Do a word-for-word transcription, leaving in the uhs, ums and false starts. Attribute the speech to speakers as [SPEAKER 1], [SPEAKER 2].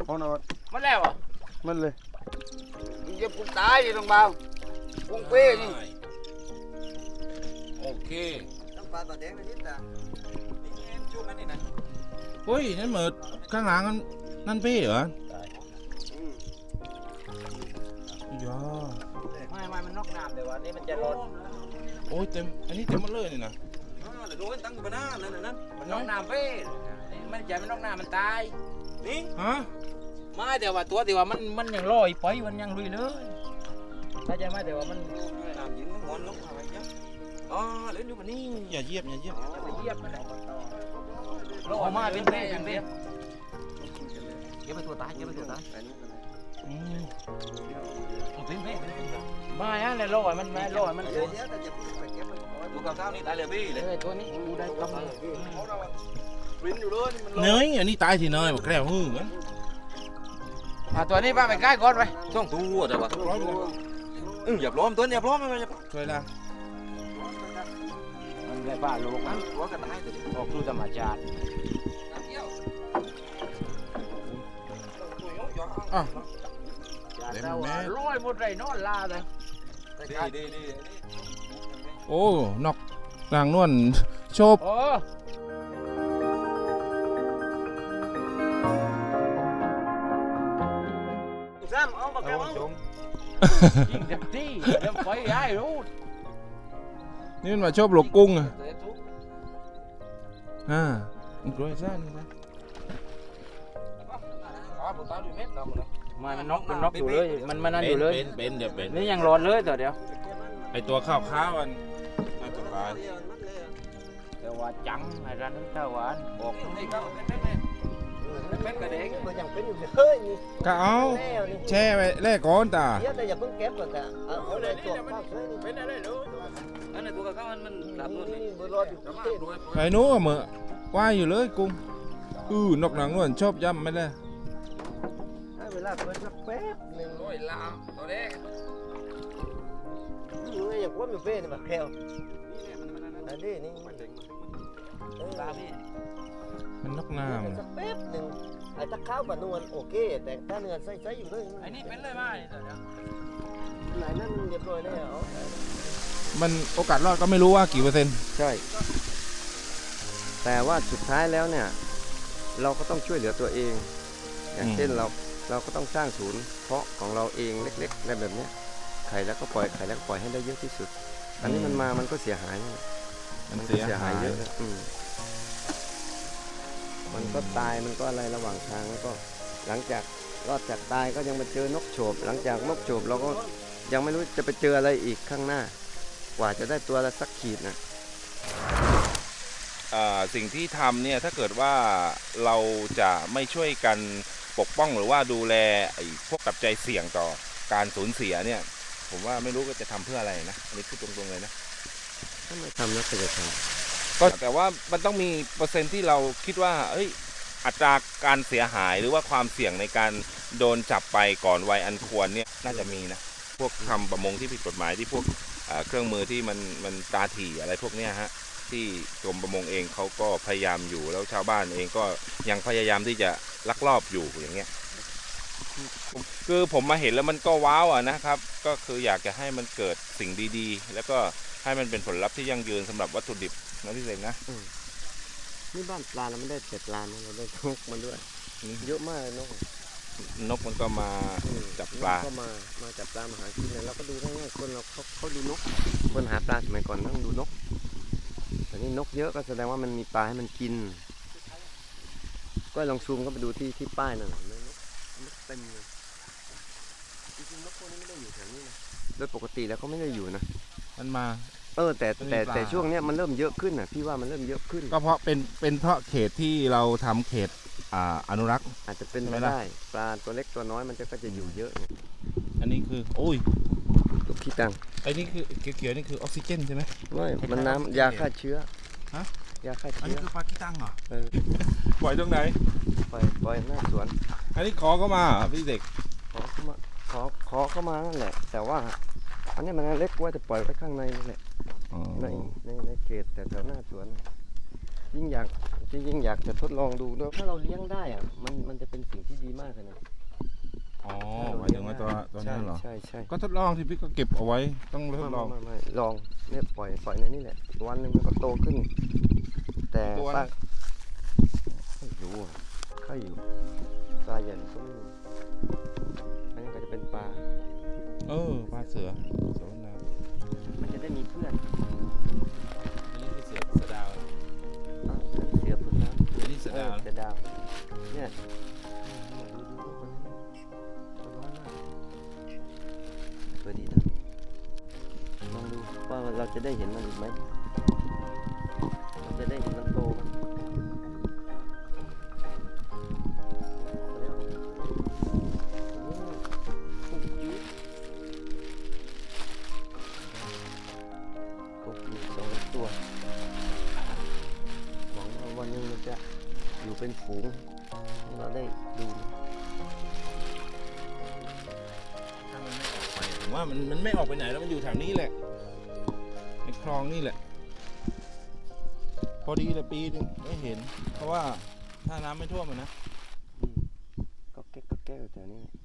[SPEAKER 1] พอนอน
[SPEAKER 2] มันแล้วอ่ะ
[SPEAKER 1] มันเลย
[SPEAKER 2] มึงจะปลุกตายอยู่ตรงเบาปุ้งเป้นี่โอเค
[SPEAKER 3] ต้องปลาปลาแดงนะนิดนะนี่เอ็มจุ่มนั่นนี่นะ
[SPEAKER 4] เฮ้ยนั่นเหมือนข้างหลังนั่นนั่นพี่เหรออยา
[SPEAKER 2] ไม่ไม่มันนอกน้ำเดี๋ยววันนี้มันจะร้อน
[SPEAKER 4] โอ้ยเต็มอันนี้เต็มหมดเลยนี่นะ
[SPEAKER 3] อ๋อเดี๋ยวดูกันตั้งอยู่บนหน้านั่นน่ะนั่น
[SPEAKER 2] มันนอกน้ำเป้มันจะมันนอกน้ำมันตาย
[SPEAKER 3] นี่
[SPEAKER 4] ฮะ
[SPEAKER 2] ไม่แต่ว่าตัวแต่ว่ามันมันยังลอยไปมันยังลุยเลยถ้าจะไม่แต่ว่ามัน
[SPEAKER 3] น้ำยิงมันงอนลงอะไรเงี้ยอ๋อเล่นอยู่บนนี้
[SPEAKER 4] อย่าเหยียบอย่าเหยียบ
[SPEAKER 2] จะไปเยียบมันเราออกมาเป็นแม่อย่างเดียวเก็บไปตัวตายเก็บไปตัวตาย
[SPEAKER 4] อืม
[SPEAKER 2] เป็นแม่ไม่ฮะเลยลอยมันไม่ลอยมัน
[SPEAKER 3] เดี๋ยวเดี๋ยวแต่จะไปเก็บมันก่อนดูกับข้าวนี่ตายเลยพี่เลย
[SPEAKER 2] เลยตัวนี้ดูได้กำลัง
[SPEAKER 3] ปริ้นอยู่เลยมัน
[SPEAKER 4] เนยอันนี้ตายที่เนยบอกแกล้วหื้อเหมือน
[SPEAKER 2] อ่ะตัวนี้ป้าไปใกล้ก่อนไป
[SPEAKER 3] ต้องตัวแต่ว่าอืออย่าพร้อมตัวอย่าพร้อมไม่อย่า
[SPEAKER 4] ช่วยละ
[SPEAKER 2] มันเลยป้าลูกมัน
[SPEAKER 3] หัวกระต่ายตัวนี้
[SPEAKER 2] ออกดูธรรมชาติ
[SPEAKER 4] อ้าว
[SPEAKER 2] แต่ว่าลอยหมดเลยนอนลาเลย
[SPEAKER 3] ดีดีดี
[SPEAKER 4] โอ้นอกนางนวลโชบ
[SPEAKER 2] โอ้
[SPEAKER 3] ซ้ำเอาปากกาเอา
[SPEAKER 2] ยิงเต็มที่เดี๋ยวไปให้รู้
[SPEAKER 4] นี่มันมาโชบหลกกุ้งอ่ะอ่ามันกล้วยซ่านนะ
[SPEAKER 2] มันมันน็อกมันน็อกอยู่เลยมันมันนั่นอยู่เลย
[SPEAKER 4] เป็นเป็นเดี๋ยวเป็น
[SPEAKER 2] นี่ยังร้อนเลยแต่เดี๋ยว
[SPEAKER 4] ไอตัวข้าวข้าวมันน่าจะตาย
[SPEAKER 2] แต่ว่าจังไอ้ร้านนั้นเท่าหวานบอก
[SPEAKER 3] นี่ก็เป็นเป็นเป็นกระเด้งมันยังเป็นอยู่เฮ้ยนี่
[SPEAKER 4] ก็เอา
[SPEAKER 3] แล้วนี่
[SPEAKER 4] แช่ไว้แรกก่อนตา
[SPEAKER 3] เดี๋ยวแต่อย่าเพิ่งเก็บก่อนแต่เอาเอาเลยตัวข้าวเฮ้ยนี่
[SPEAKER 2] เป็นอะไรรู้
[SPEAKER 3] อันนั้นตัวข้าวมันมันหลับนู่นนี่บนรถอยู่ที่เต้น
[SPEAKER 4] ไอ้หนู้เหมือว่ายอยู่เลยกุ้งอือนกนางนวลชอบย่ำไม่ได้
[SPEAKER 3] ให้เวลาเพิ่นสักแป๊บหนึง
[SPEAKER 2] โอ้ยลามตัวเด็ก
[SPEAKER 3] นี่ไงอย่างว่ามีเฟ้นี่มาแควอันนี้นี่เออ
[SPEAKER 2] ตาพี่
[SPEAKER 4] มันนก
[SPEAKER 3] ให้
[SPEAKER 4] น้ำ
[SPEAKER 3] มันสักแป๊บหนึงไอ้ตะข้าวกับนวลโอเค แต่ถ้าเนื้อใส่ๆอยู่เลย
[SPEAKER 2] ไอ้นี่เป็นเลยมาเดี๋ยว
[SPEAKER 3] ไหนนั่นเรียบร้อยแล้ว
[SPEAKER 4] มันโอกาสรอดก็ไม่รู้ว่ากี่เปอร์เซ็นต์
[SPEAKER 3] ใช่แต่ว่าสุดท้ายแล้วเนี่ยเราก็ต้องช่วยเหลือตัวเอง อย่างเช่นเราเราก็ต้องสร้างศูนย์เพาะของเราเองเล็กๆในแบบเนี้ยไข่แล้วก็ปล่อยไข่แล้วก็ปล่อยให้ได้เยอะที่สุด อันนี้มันมามันก็เสียหาย
[SPEAKER 4] มัน
[SPEAKER 3] ก็
[SPEAKER 4] เสียหาย
[SPEAKER 3] เยอะนะอืมมันก็ตายมันก็อะไรระหว่างทางแล้วก็ หลังจากรอดจากตายก็ยังมาเจอนกโฉบหลังจากนกโฉบเราก็ยังไม่รู้จะไปเจออะไรอีกข้างหน้า กว่าจะได้ตัวละสักขีดนะ
[SPEAKER 4] สิ่งที่ทำเนี่ยถ้าเกิดว่าเราจะไม่ช่วยกันปกป้องหรือว่าดูแลไอ้พวกปัจจัยเสี่ยงต่อการสูญเสียเนี่ยผมว่าไม่รู้ก็จะทำเพื่ออะไรนะอันนี้พูดตรงๆเลยนะ
[SPEAKER 3] ถ้าไม่ทำแล้วก็จะท
[SPEAKER 4] ก็แต่ว่ามันต้องมีเปอร์เซ็นต์ที่เราคิดว่าเอ้ยอัตราการเสียหายหรือว่าความเสี่ยงในการโดนจับไปก่อนวัยอันควรเนี่ยน่าจะมีนะพวกทำประมงที่ผิดกฎหมายที่พวกเอ่อเครื่องมือที่มันมันตาถี่อะไรพวกเนี้ยฮะที่กรมประมงเองเขาก็พยายามอยู่แล้วชาวบ้านเองก็ยังพยายามที่จะลักลอบอยู่อย่างเงี้ยคือผมมาเห็นแล้วมันก็ว้าวอ่ะนะครับก็คืออยากจะให้มันเกิดสิ่งดีๆ แล้วก็ให้มันเป็นผลลัพธ์ที่ยั่งยืนสำหรับวัตถุดิบนะพี่เสกนะ
[SPEAKER 3] ำนี่บ้านปลาเราไม่ได้แต่ปลานะเราได้นกมันด้วยเยอะมากเลยนก
[SPEAKER 4] นกมันก็มาจับปลา
[SPEAKER 3] ก็มามาจับปลามาหากินเนี่ยเราก็ดูง่ายๆคนเราเขาเขาดูนก คนหาปลาสมัยก่อนต้องดูนกแต่นี่นกเยอะก็แสดงว่ามันมีปลาให้มันกิน ก็ลองซูมเข้าไปดูที่ที่ป้ายนั่นน่ะนกนกเต็มเลยจริงๆนกพวกนี้ไม่ได้อยู่แถวนี้นะโดยปกติแล้วเขาไม่ได้อยู่นะ
[SPEAKER 4] มันมา
[SPEAKER 3] เออแต่
[SPEAKER 4] มันมี
[SPEAKER 3] แต่
[SPEAKER 4] ปลา
[SPEAKER 3] แต่ช่วงเนี้ยมันเริ่มเยอะขึ้นอ่ะพี่ว่ามันเริ่มเยอะขึ้น
[SPEAKER 4] ก็เพราะเป็นเป็นเพราะเขตที่เราทำเขตอ่าอนุรักษ์
[SPEAKER 3] อาจจะเป็น
[SPEAKER 4] ใช่
[SPEAKER 3] ไป
[SPEAKER 4] ไหมล่ะ
[SPEAKER 3] ได้ปลาตัวเล็กตัวน้อยมันจะก็จะอยู่เยอะไง
[SPEAKER 4] อันนี้คือโอ้ย
[SPEAKER 3] ลูกขี้ตัง
[SPEAKER 4] ไอ้นี่คือเขียวๆนี่คือออกซิเจนใช่ไหม
[SPEAKER 3] ไม่มันน้ำยาฆ่าเชื้อ
[SPEAKER 4] ฮะ
[SPEAKER 3] ยาฆ่า
[SPEAKER 4] อัน
[SPEAKER 3] เชื้
[SPEAKER 4] นี้
[SPEAKER 3] อ
[SPEAKER 4] คือปลาขี้ตังเหรอ
[SPEAKER 3] เออ
[SPEAKER 4] ปล่อยตรงไหน
[SPEAKER 3] ปล่อยปล่อยหน้าสวน
[SPEAKER 4] อันนี้ขอเข้ามาเหรอพี่เด็ก
[SPEAKER 3] ขอเข้ามาขอขอเข้ามานั่นแหละ แต่ว่าอันนี้มันเล็กกว่าจะปล่อยไว้ข้างในนี่แหละ
[SPEAKER 4] อ๋อ
[SPEAKER 3] ในในในเขตแต่แถวหน้าสวนยิ่งอยากจริงๆอยากจะทดลองดูด้วยถ้าเราเลี้ยงได้อะมันมันจะเป็นสิ่งที่ดีมากเลยนะ
[SPEAKER 4] อ๋อหมายถึงว่าตัวตัวนี้เหรอ
[SPEAKER 3] ใช่ใช่
[SPEAKER 4] ก็ทดลองที่พี่ก็เก็บเอาไว้ต้องทดลอง
[SPEAKER 3] ไม่ไม่ไม่ลองเนี่ยปล่อยปล่อยในนี่แหละวันหนึ่งมันก็โตขึ้น แต่
[SPEAKER 4] ตัว
[SPEAKER 3] ป้าไม่รู้อ่ะข้าอยู่ปลาใหญ่ก็ไม่มีอันนี้ก็จะเป็นปลา
[SPEAKER 4] เออปลาเสือเสือวันนา
[SPEAKER 3] มันจะได้มีเพื่อน
[SPEAKER 4] อันนี้คือเสือเสือดาว
[SPEAKER 3] อ่ะเสือพื้นน้ำ
[SPEAKER 4] อันนี้เสือ
[SPEAKER 3] เอ
[SPEAKER 4] ดา
[SPEAKER 3] อ
[SPEAKER 4] ว
[SPEAKER 3] เสือดาวเนี่ยดูดูดูคนนี้มันน้อยมากสวยดีนะลองดูว่าเราจะได้เห็นมันอีกไหมเราจะได้เห็นมันโตมันแล้วโอ้ปุ๊กจี๊ดปุ๊กจี๊ดสองตัวหวังว่าวันหนึงมันจะอยู่เป็นฝูงให้เราได้ดู
[SPEAKER 4] ถ้ามันไม่ออกไปผมว่ามันมันไม่ออกไปไหนแล้วมันอยู่แถวนี้แหละในคลองนี่แหละ พอดีเลยปีหนึงไม่เห็น เพราะว่าถ้าน้ำไม่ท่วมอะนะ
[SPEAKER 3] อืมก็แก๊กก็แก๊กอยู่แถวนี้แหละ